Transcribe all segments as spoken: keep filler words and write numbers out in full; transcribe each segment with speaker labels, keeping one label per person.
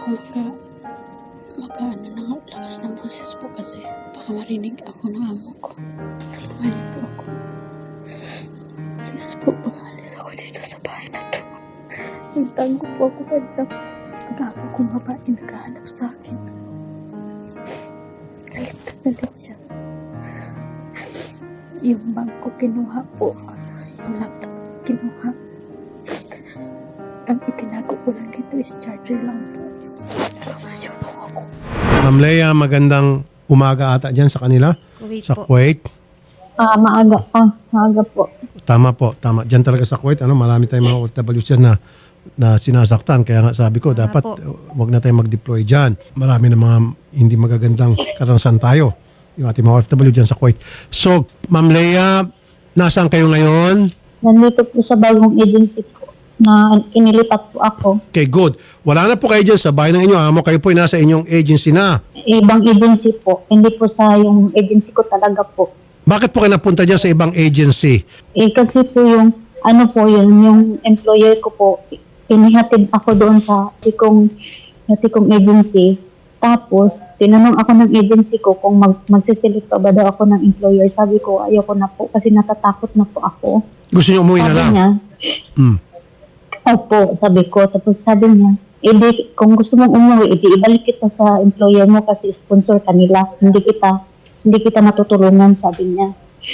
Speaker 1: ako maka, maka ano na nga, lakas ng boses po kasi baka marinig ako ng amo ko. Tulungan niyo po ako. Please po, pag-alis ako dito sa bahay na to. Nagtango po ako pagdaps. Pag-ako kong babae naghahanap sa akin. Galit na galit siya. Yung bangko kinuha po. Yung laptop kinuha. Ang itinago ko lang dito is charger lang po. Tulungan niyo po ako.
Speaker 2: Ma'am Lea, magandang umaga ata dyan sa kanila.
Speaker 3: Kuwait
Speaker 2: sa
Speaker 3: po.
Speaker 2: Kuwait.
Speaker 4: Ah, maaga pa. Maaga po.
Speaker 2: Tama po, tama. Diyan talaga sa Kuwait, ano, marami tayong mga O F W s na na sinasaktan. Kaya nga sabi ko, dapat
Speaker 3: po.
Speaker 2: uh, wag na tayong mag-deploy dyan. Marami na mga hindi magagandang karanasan tayo. Yung ating mga O F W dyan sa Kuwait. So, Ma'am Lea, nasaan kayo ngayon?
Speaker 4: Nandito po sa bagong agency po na inilipat po ako.
Speaker 2: Okay, good. Wala na po kayo dyan sa bahay ng inyo amo. Kayo po ay nasa inyong agency na.
Speaker 4: Ibang agency po. Hindi po sa yung agency ko talaga po.
Speaker 2: Bakit po kayo napunta dyan sa ibang agency?
Speaker 4: Eh kasi po yung, ano po yun, yung employer ko po, inihatid ako doon sa tikong, sa tikong agency. Tapos, tinanong ako ng agency ko kung mag, magsiselect pa ba daw ako ng employer. Sabi ko, ayoko na po kasi natatakot na po ako.
Speaker 2: Gusto niyo umuwi na
Speaker 4: Sabi
Speaker 2: lang?
Speaker 4: niya,
Speaker 2: Hmm.
Speaker 4: opo, sabi ko. Tapos sabi niya, edi, kung gusto mong umuwi, edi ibalik kita sa employer mo kasi sponsor kanila. Hindi kita, hindi kita natutulungan, sabi niya.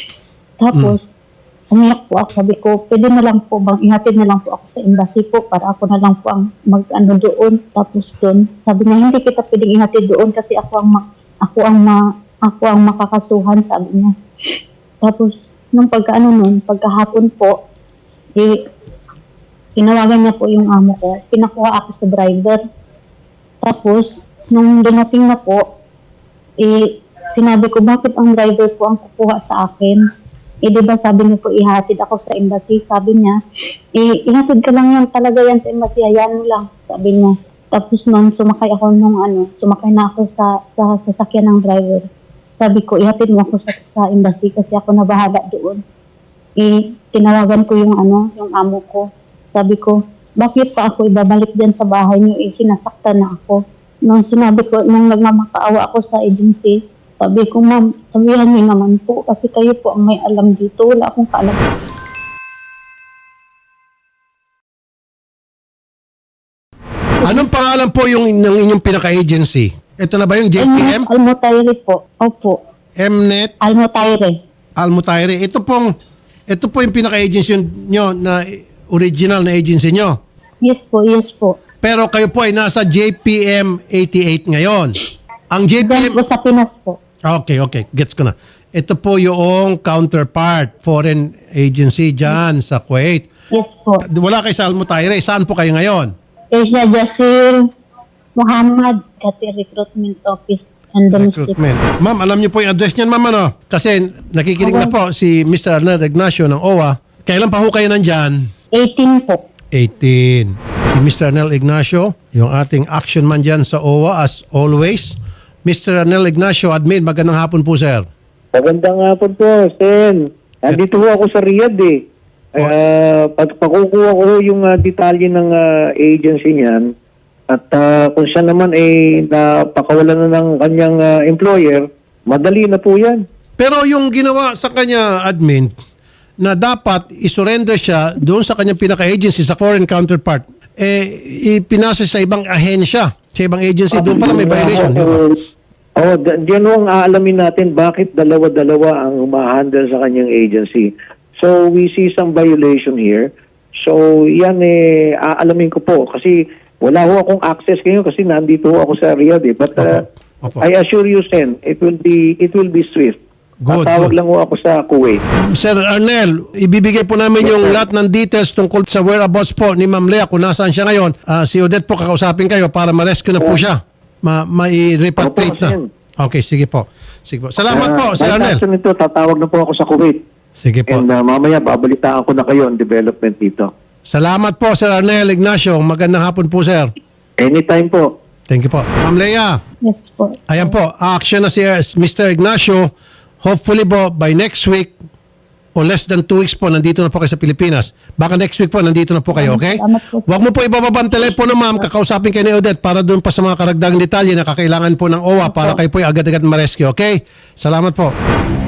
Speaker 4: Tapos, umiyak po ako. Sabi ko, pwede na lang po bang ihatid na lang po ako sa embassy po para ako na lang po ang mag-ano doon. Tapos doon, sabi niya, hindi kita pwedeng ihatid doon kasi ako ang, ma- ako ang, ma- ako ang makakasuhan, sabi niya. Tapos, nung pagkaano nun, pagkahapon po, eh, tinawagan niya po yung amo ko. Pinakuha ako sa driver. Tapos, nung dumating na po, eh, sinabi ko, bakit ang driver po ang kukuha sa akin? Eh, di ba sabi niya po, ihatid ako sa embassy. Sabi niya, eh, ihatid ka lang yan talaga yan sa embassy. Hayaan mo lang, sabi niya. Tapos nun, sumakay ako nung ano, sumakay na ako sa, sa sasakyan ng driver. Sabi ko, ihatid mo ako sa, sa embassy kasi ako na bahala doon. Eh, tinawagan ko yung ano, yung amo ko. Sabi ko, bakit pa ako ibabalik dyan sa bahay niyo? Eh, sinasaktan na ako. Nung sinabi ko, nung nagmamakaawa ako sa agency, sabi ko, ma'am, sabihan niyo naman po kasi kayo po ang may alam dito. Wala akong kaalam.
Speaker 2: Anong pangalan po yung ng inyong pinaka-agency? Ito na ba yung J P M?
Speaker 4: Almutaire po. Opo.
Speaker 2: Mnet
Speaker 4: Almutaire.
Speaker 2: Almutaire. Ito pong ito po yung pinaka-agency nyo na original na agency nyo.
Speaker 4: Yes po, yes po.
Speaker 2: Pero kayo po ay nasa J P M eighty-eight ngayon. Ang J P
Speaker 4: Diyan
Speaker 2: M
Speaker 4: po sa Pinas po.
Speaker 2: Okay, okay. Gets ko na. Ito po yung counterpart, foreign agency dyan sa Kuwait.
Speaker 4: Yes po.
Speaker 2: Wala kayo sa Almutaire. Saan po kayo ngayon?
Speaker 4: Asia Jasir Muhammad, Kati Recruitment Office and Domestic.
Speaker 2: Recruitment. Ma'am, alam niyo po yung address niyan, ma'am, ano? Kasi nakikinig na po si Mister Arnel Ignacio ng O W A. Kailan pa ho kayo nandyan?
Speaker 4: eighteen po.
Speaker 2: eighteen. Si Mister Arnel Ignacio, yung ating action man dyan sa O W A as always. Mister Arnel Ignacio, admin, magandang hapon po, sir.
Speaker 5: Magandang hapon po, Sen. Nandito ho ako sa Riyadh eh. Uh, pag pakukuha ko yung uh, detalye ng uh, agency niyan at uh, kung siya naman ay napakawalan na ng kanyang uh, employer, madali na po yan.
Speaker 2: Pero yung ginawa sa kanya, admin, na dapat isurrender siya doon sa kanyang pinaka-agency, sa foreign counterpart, eh, ipinasa sa ibang ahensya, sa ibang agency, doon pala may violation. Di ba?
Speaker 5: Oh, diyan ho ang aalamin natin bakit dalawa-dalawa ang umahandle sa kanyang agency. So, we see some violation here. So, yan eh, aalamin ko po. Kasi wala ho akong access ngayon kasi nandito ho ako sa Riyadh eh. But uh,
Speaker 2: Opo. Opo.
Speaker 5: I assure you, Sen, it will be it will be swift.
Speaker 2: Good,
Speaker 5: Tatawag
Speaker 2: good.
Speaker 5: lang ho ako sa Kuwait.
Speaker 2: Sir Arnel, ibibigay po namin yung lahat ng details tungkol sa whereabouts po ni Ma'am Lea kung nasaan siya ngayon. Ah, si Odette po kakausapin kayo para ma-rescue na po siya. Ma mai-repatriate
Speaker 5: Opo,
Speaker 2: na.
Speaker 5: Sen.
Speaker 2: Okay, sige po. Sige po. Salamat
Speaker 5: Uh,
Speaker 2: po, Sir
Speaker 5: by
Speaker 2: Arnel.
Speaker 5: action nito, tatawag na po ako sa Kuwait.
Speaker 2: Sige po.
Speaker 5: And uh, mamaya, babalitaan ko na kayo ang development dito.
Speaker 2: Salamat po, Sir Arnel Ignacio. Magandang hapon po, sir.
Speaker 5: Anytime po.
Speaker 2: Thank you po. Ma'am Lea,
Speaker 4: Yes po.
Speaker 2: ayan po, action na si Mister Ignacio. Hopefully po, by next week, o less than two weeks po, nandito na po kayo sa Pilipinas. Baka next week po, nandito na po kayo, okay?
Speaker 4: Salamat po.
Speaker 2: Huwag mo po ibababa ang telepono, ma'am. Kakausapin kayo ni Odette para doon pa sa mga karagdagang detalye na kakailangan po ng O W A para kayo po agad-agad ma-rescue, okay? Salamat po.